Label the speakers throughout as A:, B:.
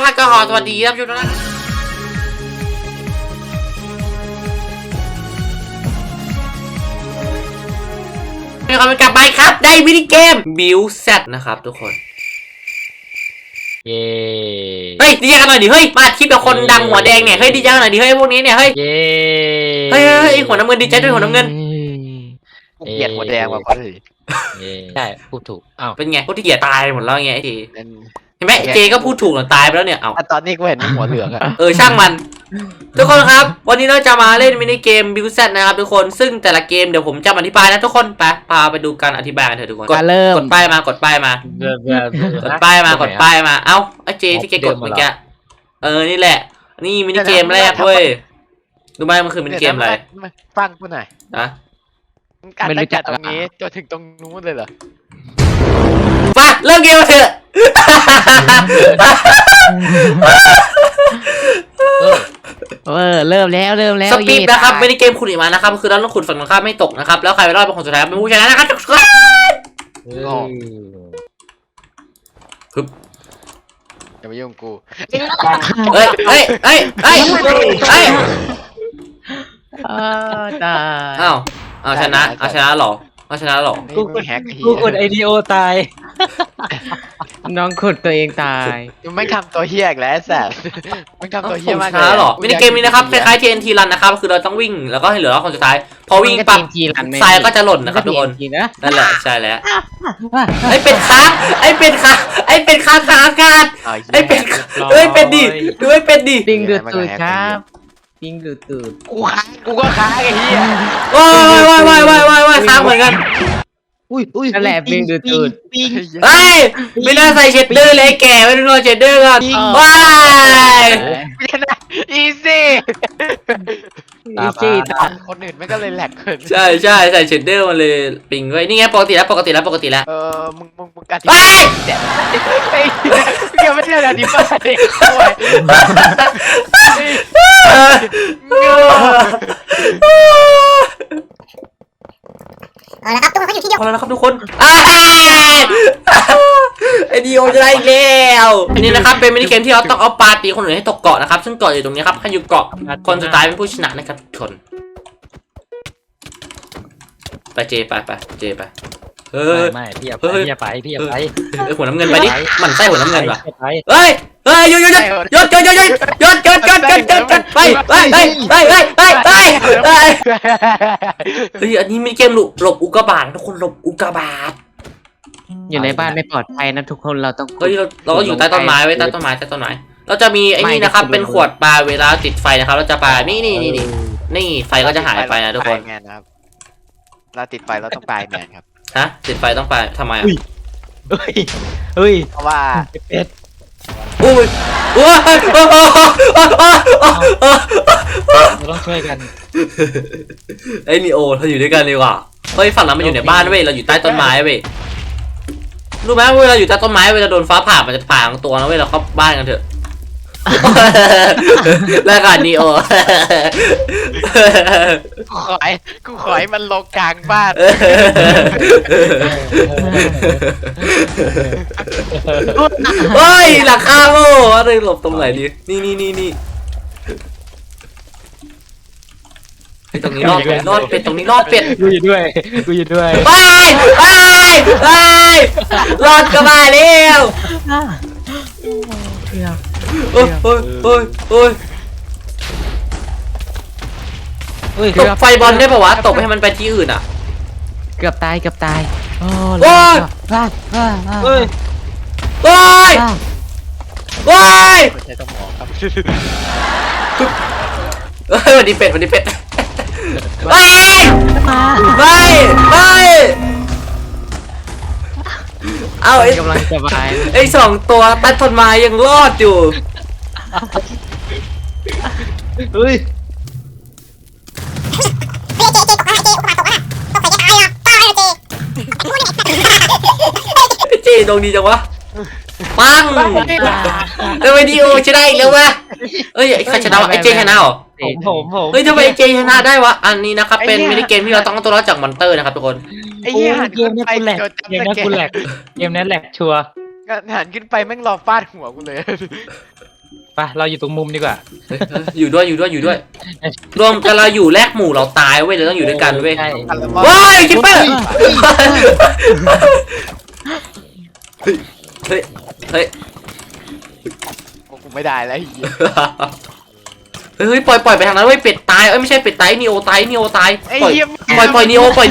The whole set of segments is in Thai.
A: แล้วก็สวัสดีครับทุกท่านนะครับกลับไปครับได้มินิเกมบิวเซตนะครับทุกคน
B: เย้
A: เฮ้ยดีใจกันหน่อยดิเฮ้ยมาคลิปกับคนดังหัวแดงเนี่ยเฮ้ยดีใจกันหน่อยดิเฮ้ยพวกนี้เนี่ยเฮ้ย
B: เย้
A: เฮ้ยหัวน้ำเงินดีใจด้วยหัวน้ำเงิน
C: กูเกลียดหัวแดงว่ะพอดี
B: ใช่พูดถูกอ้าว
A: เป็นไงพวกที่เกียจตายหมดแล้วไงไอ้ที
C: นั่น
A: เห็นไหมเจก็พูดถูกหรอตายไปแล้วเนี่ยเอา
C: ตอนนี้กูเห็นหัวเหลืองอะ
A: ช่างมันทุกคนครับวันนี้เราจะมาเล่นมินิเกมบิวเซตนะครับทุกคนซึ่งแต่ละเกมเดี๋ยวผมจะอธิบายนะทุกคนไปพาไปดูการอธิบายกันเถอะทุกคนกดป้ายมากดป้ายมากดป้ายมากดป้ายมาเอ้าไอ้เจที่แกกดเมื่อกี้นี่แหละนี่มินิเกมแรกเว้ยดูไหมมันคือมินิเกมอะไร
C: ฟังกูหน่อย
A: นะ
C: ไม่รู้จักตรงนี้จนถึงตรงนู้นเลยเหรอ
A: ไปเริ่มเกมเถอะ
B: เริ่มแล้ว
A: สปีดนะครับมินิเกมขุดอีกมานะครับคือเราต้องขุดฝั่งตรงข้ามไม่ตกนะครับแล้วใครไปรอดเป็นคนสุดท้ายเป็นผู้ชนะนะครับทุกคนฮึบ
C: อย่ามายุ่งกู
A: เฮ้ยตายเอาชนะหรอ
C: กูแฮก
B: กูกดไอทีโอตายน้องขุดตัวเองตาย
C: มึงไม่ทำตัวเฮี้ยอีกแล้วแซ่บมึงทำตัวเฮี้ยมาก
A: ชนะหรอมินิเกมนี้นะครับคล้ายๆ TNT Run นะครับคือเราต้องวิ่งแล้วก็ให้เหลือคนสุดท้ายพอวิ่งปั๊บทรายก็จะหล่นนะครับทุกคนนั่นแหละใช่แล้วไอ้เป็ดค้างอากาศไอ้เป็ดดิดูไอ้เป็ดดิ
B: ปิงดูดตูดครับปิงดูดตูด
C: กูก็ค้างไอ้เฮี้ย
A: ว้ายค้างเหมือนกัน
B: อุ้ยนั่นแหละปิงดูดตูด
A: เฮ้ยไม่น่าใส่เชดเดอร์เลยแก่ไม่ต้องรอเชดเดอร์ก่อนว้าย
C: อีซี่
B: อีซี่ตา
C: คนอื่นไม่ก็เลยแหลกเกิน
A: ใช่ใส่เชดเดอร์มันเลยปิงไว้นี่ไงปกติแล้ว
C: มึงกัดที่เกี่ยวไม่ได้แล้วดิบ้าเด็กโวย
D: เอาละครับทุกคนเขาอยู่ที่เดียว
A: พอแล้วนะครับทุกคนไอดีโอจะได้อีกแล้วอันนี้นะครับเป็นมินิเกมที่เราต้องเอาปลาตีคนอื่นให้ตกเกาะนะครับซึ่งเกาะอยู่ตรงนี้ครับใครอยู่เกาะคนสุดท้ายเป็นผู้ชนะนะครับทุกคนไปเจไป
B: ไม่พี่อย่าไป
A: หัวน้ำเงินไปดิมันไส้หัวน้ำเงินว่ะ
B: ไป
A: เฮ้ยหยุดอันนี้มินิเกมหลบอุกกาบาตทุกคนหลบอุกกาบาต
B: อยู่ในบ้านไม่ปลอดภัยนะทุกคนเราต้อง
A: เฮ้ยเราก็อยู่ใต้ต้นไม้ไว้ใต้ต้นไม้เราจะมีไอ้นี่นะครับเป็นขวดปลาเวลาติดไฟนะครับเราจะปลานี่ไฟก็จะหายไปนะทุกคน
C: เราติดไฟเราต้องปลายแมนครับ
A: ฮะติดไฟต้องปลาทำไมอ่ะ
B: เฮ้ย
C: เพราะว่า
B: เป็ด
A: อุ้ย
B: เราต้องช่วยกัน
A: ไอ้นีโอเราอยู่ด้วยกันเลยว่ะเฮ้ยฝั่งนั้นมันอยู่ในบ้านเว้ยเราอยู่ใต้ต้นไม้เว้ยรู้ไหมเวลาอยู่ใต้ต้นไม้เวลาโดนฟ้าผ่ามันจะผ่าทั้งตัวนะเว้ยเราเข้าบ้านกันเถอะแล้วกันนีโอ
C: กูขอให้มันลงกลางบ้าน
A: เฮ้ยหลังคาโม่อะไรหลบตรงไหนดีนี่ตรงนี้รอดเป็ดตรงนี้รอดเป็ด
B: กูอยู่ด้วย
A: ไปรอดก็มาแล้วโอ้ยตกไฟบอลได้ป่าวะตกให้มันไปที่อื่นอ่ะ
B: เกือบตาย
A: โอ้ย
C: ใช้สมองครับ
A: วันนี้เป็ดไม่เอา
B: กำลังสบาย
A: ไอ้2 ตัวใต้ต้นไม้ยังรอดอยู่
B: เฮ้ย
A: เจดงดีจังวะปังไอดีโอชนะอีกแล้ววะเอ้ยใครชนะวะไอเจชนะเหรอ
B: ผม
A: เฮ้ยทำไมเจชนะได้วะอันนี้นะครับเป็นมินิเกมที่เราต้องตัวรอดจากมอนเตอร์นะครับทุกคน
C: ไอ้เหี้ยหัน
B: เกมนี้กูแหลกเกมนี้แหลกชัวร์
C: หันขึ้นไปแม่งรอฟาดหัวกูเลย
B: ไปเราอยู่ตรงมุมดีกว่า
A: อยู่ด้วยรวมกันเราอยู่แลกหมู่เราตายเว้ยเราต้องอยู่ด้วยกันเว้ย
B: ใช่
A: ว้ายคิปเปอร์เฮ้ย
C: กูไม่ได้แล้ว
A: เฮ้ยปล่อยไปทางนั้นเว้ยเป็ดตายเอ้ยไม่ใช่เป็ดตายนีโอตาย
C: ไอ้
A: ปล่อย
C: เหี้ย
A: ปล่อยนีโอไป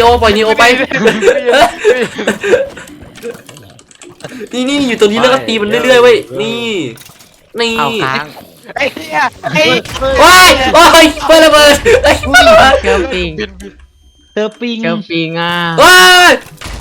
A: นี่อยู่ตรงนี้แล้วก็ตีมันเรื่อยๆเว้ยนี่
B: เอาค้าง
C: ไอ้เหี้ยไอ้
A: ว้ายเปิดระเบิด
B: เจอปิงเจอปิงอ่ะ
A: ว้าย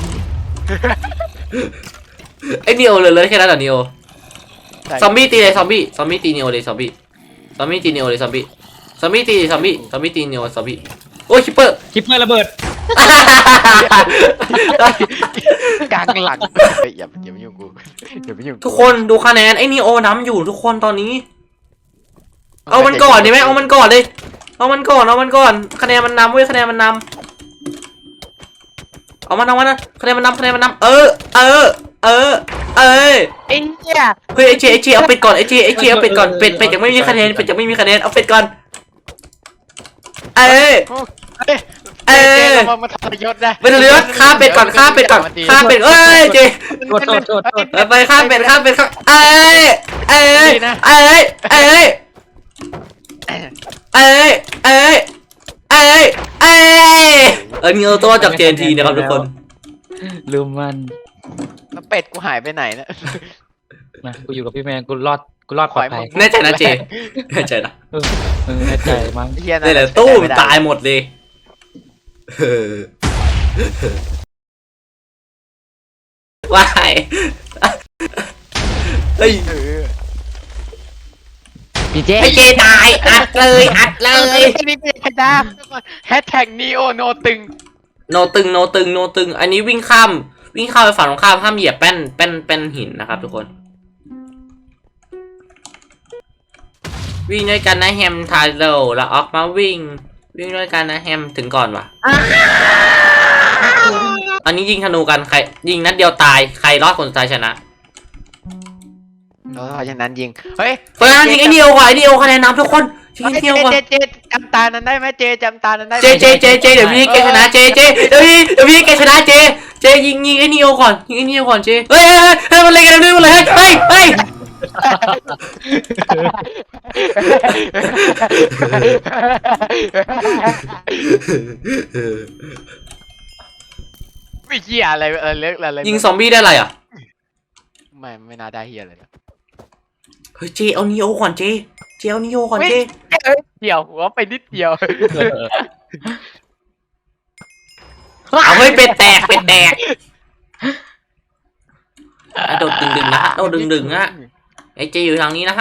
A: ไอ้นีโอเลยแค่นั้นเหรอนีโอซอมบี้ตีเลยซอมบี้ตีนีโอเลยซอมบี้ตีนีโอเลยซอมบี้ตีซอมบี้ตีนีโอซอมบี้โอ้ยคิปเปอร์
B: ระเบิด
C: กลางหลังอย่ามายุ่งกูอย่ามายุ่ง
A: ทุกคนดูคะแนนไอ้นีโอน้ำอยู่ทุกคนตอนนี้เอามันก่อนดีไหมเอามันก่อนเลยเอามันก่อนคะแนนมันนำเว้ยคะแนนมันนำเอามันนะคะแนนมันนำเออ
C: ไอ้เหี้ย
A: เฮ้ยไอเจเอาเป็ดก่อนไอเจเอาเป็ดก่อนเป็ดยังไม่มีคะแนนเอาเป็ดก่อน
C: มาทรยศนะ
A: ไปเรือฆ่าเป็ดก่อนเอ้ยเจ
B: โทษ
A: ไปฆ่าเป็ดเอ้ยนี่เอาตัวจากเจนทีนะครับทุกคน
B: ลืมมัน
C: แล้วเป็ดกูหายไปไหนนะ
B: นะกูอยู่กับพี่แมนกูรอดปลอดภัย
A: แน่ใจนะเจแน่ใจนะ
B: แน่ใจมั้ง
A: นี่แหละตู้ตายหมดเลยว้ายเฮ้ย
B: พี่เจ
A: ไอเจตายอัดเลย
C: นี่เป็นจ้าแฮชแท็กนีโอโนตึง
A: โนตึงอันนี้วิ่งข้ามไปฝั่งตรงข้ามห้ามเหยียบแป้นหินนะครับทุกคนวิ่งด้วยกันนะแฮมทาโร่แล้วออกมาวิ่งด้วยกันนะแฮมถึงก่อนวะอันนี้ยิงธนูกันใครยิงนัดเดียวตายใครรอดคนสุดท้ายชนะ
C: เพราะฉะนั้นยิงเฮ้ย
A: เพราะฉะนั้นยิงไอเดียวคะแนนนำทุกคนยิงไอเดียวก่อน
C: เจจำตานั้นได้ไหมเจจำตานั้นได้ไหม
A: เจเดี๋ยวพี่แกชนะเจเดี๋ยวพี่แกชนะเจยิงไอเดียวก่อนเจเฮ้ยมันเล่นกันด้วยเลยเฮ้ย
C: ไม่เหี้ยอะไรเล็กอะไร
A: ยิงซอมบี้ได้อะไรอ่ะ
C: ไม่น่าได้เหี้ยเลย
A: เฮ้ยเจเอานีโอก่อนเจเอานีโอก่อนเจ
C: เดี่ยวหัวไปนิดเดียว
A: เอาเฮ้ยเป็ดแตกโดดดึงนะโดดดึงฮะไอเจอยู่ทางนี้นะฮะ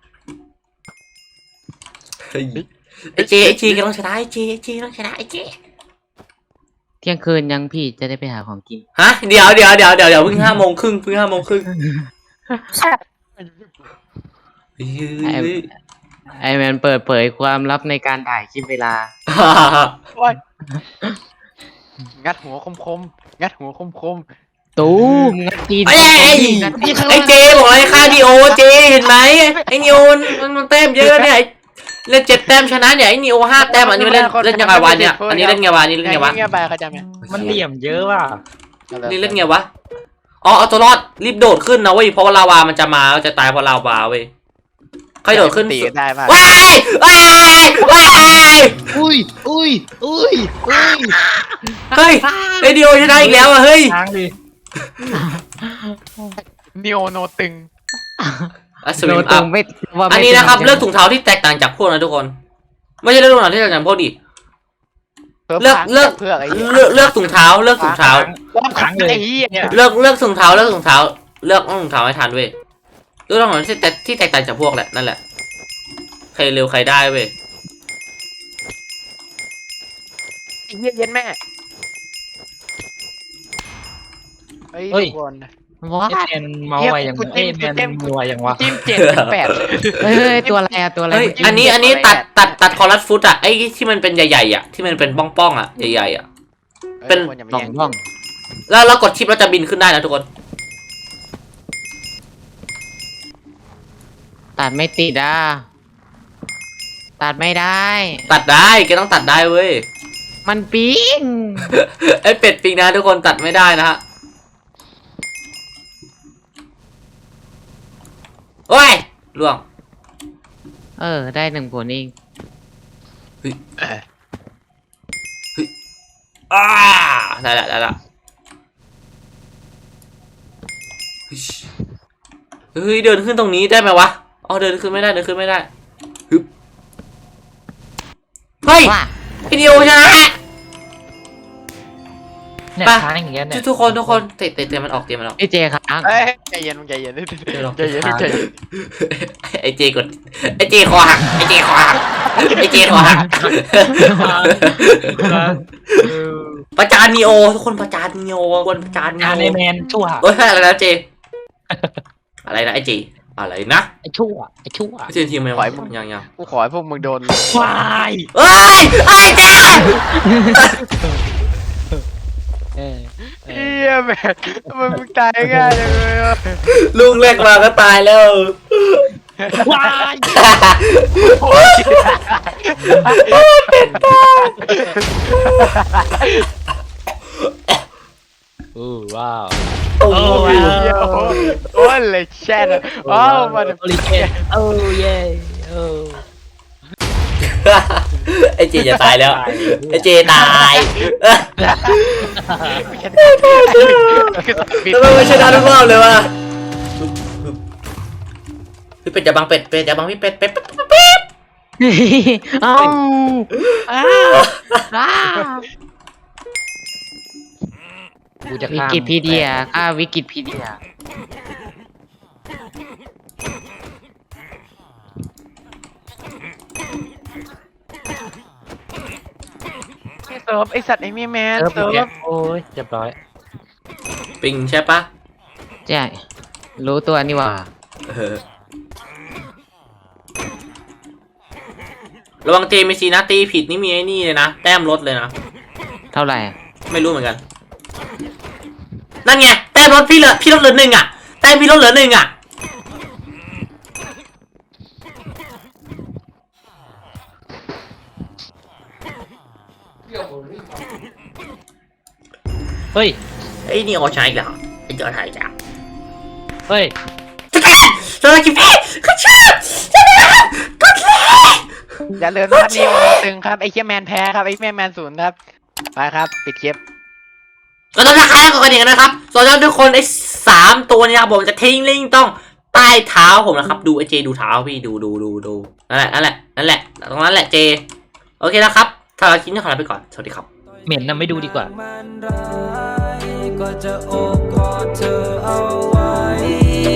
A: ไอเจกำลังชนะไอเจต้องชนะไอเจ
B: เที่ยงคืนยังพี่จะได้ไปหาของกิน
A: ฮะเดี๋ยวเพิ่ง5 โมงครึ่ง
B: ไอแมนเปิดเผยความลับในการถ่ายคลิปเวลา
C: งัดหัวคม
B: ตู้งัดจีน
A: ไอเจบอกไอ้ค่าดีโอเจเห็นไหมไอนิโอมันแต้มเยอะเนี่ยเล่น7 แต้มชนะเนี่ยไอนิโอ5 แต้มอันนี้เล่นยังไงวะเนี่ยอันนี้เล่นไงวะ
C: เงี้ยไปเขาจำไหม
B: มันเหลี่ยมเยอะว่ะ
A: นี่เล่นไงวะอ๋อเอาตัวรอดรีบโดดขึ้นนะเว้ยเพราะว่าลาวามันจะมาจะตายเพราะลาวาเว้ยใครโดดขึ้น
C: ตีได้ป่ะ
A: ว้ายเฮ้ยไอเดียวชนะอีกแล้วอ่ะเฮ้ย
B: ทางดิ
C: นีโอโนตึง
A: สวิมอัพอันนี้นะครับเลือกถุงเท้าที่แตกต่างจากพวกนะทุกคนไม่ใช่เลือกถุงเท้าที่แตกต่างจากพวกดิเลือกถุงเท้า
C: รอบครั้งเลย
A: เลือกถุงเท้าเลือกถุงเท้าให้ทันเว้ยเลือกถุงเท้าที่แตกต่างจากพวกแหละนั่นแหละใครเร็วใครได้เว้ย
C: เย็นแม่เฮ้ยทุกคน
B: ว่าแมนเมาไวอย่างแมนมัวอย่างวะ
C: จิ้ม7-8
B: เฮ้ยตัวอะไรอะตัวอะไร
A: เฮ้ยอันนี้ตัดคอรัสฟุตอะไอ้ที่มันเป็นใหญ่ๆอะที่มันเป็นป้องๆอะใหญ่ๆอะเป็น
B: บ้อง
A: แล้วเรากดชิปเราจะบินขึ้นได้นะทุกคน
B: ตัดไม่ติดอ่ะตัดไม่ได้
A: ตัดได้แกต้องตัดได้เว้ย
B: มันปิ้ง
A: ไอเป็ดปิงนะทุกคนตัดไม่ได้นะฮะโอ้ยล่วง
B: ได้1 ผลเอง
A: ได้ละได้ละเฮ้ยเดินขึ้นตรงนี้ได้ไหมวะอ๋อเดินขึ้นไม่ได้เดินขึ้นไม่ได้ฮึบเฮ้ย
B: ว่า
A: วิดีโอชนะ
E: เนี่ย
A: ไป
E: ค้างอย่างเงี้ยเนี่ย
A: ทุกคนเตะมันออกเตะมันออก
B: พี่เจค้าง
C: เอ้ยใจเย็นมึงใจเย็นใจเย็นใจเย็น
A: ไอเจกดไอเจคอหักไอเจคอหักไอเจคอหักประจานนีโอทุกคนประจานนีโอคนประจานนี
E: งาน
A: โอ
E: ในแมนชั่ว
A: เฮ้ยอะไรนะเจอะไรนะไอเจอะไรนะ
E: ไอ้ชั่วไอ้ชั่ว
A: เจทีมไหมวะยัง
C: กูขอให้พวกมึงโดน
E: วาย
A: เฮ้ยไอเจ
C: เฮียแม่ทำไมมึงตายง่ายจังเลยอ่ะ
A: ลูกแรกมาก็ตายแล้ว
E: วาย ว้าว
A: โอ้
E: โอ้
A: โห
E: ว้าว
C: เฮียโอ้ยเลยแช่เลยอ้าวมาเดี๋ยว
E: โอลิเกนโอ้เย่โอ้
A: ไอเจจะตายแล้วไอเจตายทำไมไม่ชนะทุกรอบเลยวะพี่เป็ดอย่าบังเป็ดอย่าบังพี่เป็ด
B: เอ้าอ้า
E: กูจะ
B: วิ
E: ข้าม
B: กิพีเดียวิกิพีเดีย
C: เซิร์ฟไอสัตว์ไอเมียแมน
E: เออ
C: เซิร์ฟ
E: โอ้ยเรียบร้อย
A: ปิงใช่ปะ
B: ใช่รู้ตัวนี่ว่า
A: ระวังเจมีซีนะตีผิดนี่มีไอ้นี่เลยนะแต้มลดเลยนะ
B: เท่าไหร่อะ
A: ไม่รู้เหมือนกันนั่นไงแต้มลดพี่ลดเหลือ1อ่ะแต้มพี่ลดเหลือ1อ่ะ
E: เฮ้ย
A: ไอ้นี่เอาใช้อีกแล้วไอ้เจ้าไทยจ้ะ
E: เฮ้ย
A: สวัสดีพี่ก็ชอบก็เลย
C: อย่าลืมนะครับนิวตึงครับไอเคียแมนแพ้ครับไอเมียแมนศูนย์ครับไปครับปิดคลิป
A: ก็ต้องราคาแล้วกันอีกนะครับส่วนทุกคนไอ้3ตัวนี้ครับผมจะทิ้งลิงก์ต้องใต้เท้าผมนะครับดูไอ้เจดูเท้าพี่ดูนั่นแหละตรงนั้นแหละเจโอเคนะครับถ้าเราคิดจะขอลาไปก่อนสวัสดีครับ
E: เหม็นนะไม่ดูดีกว่า
F: ก็จะโอบกอดเธอเอาไว้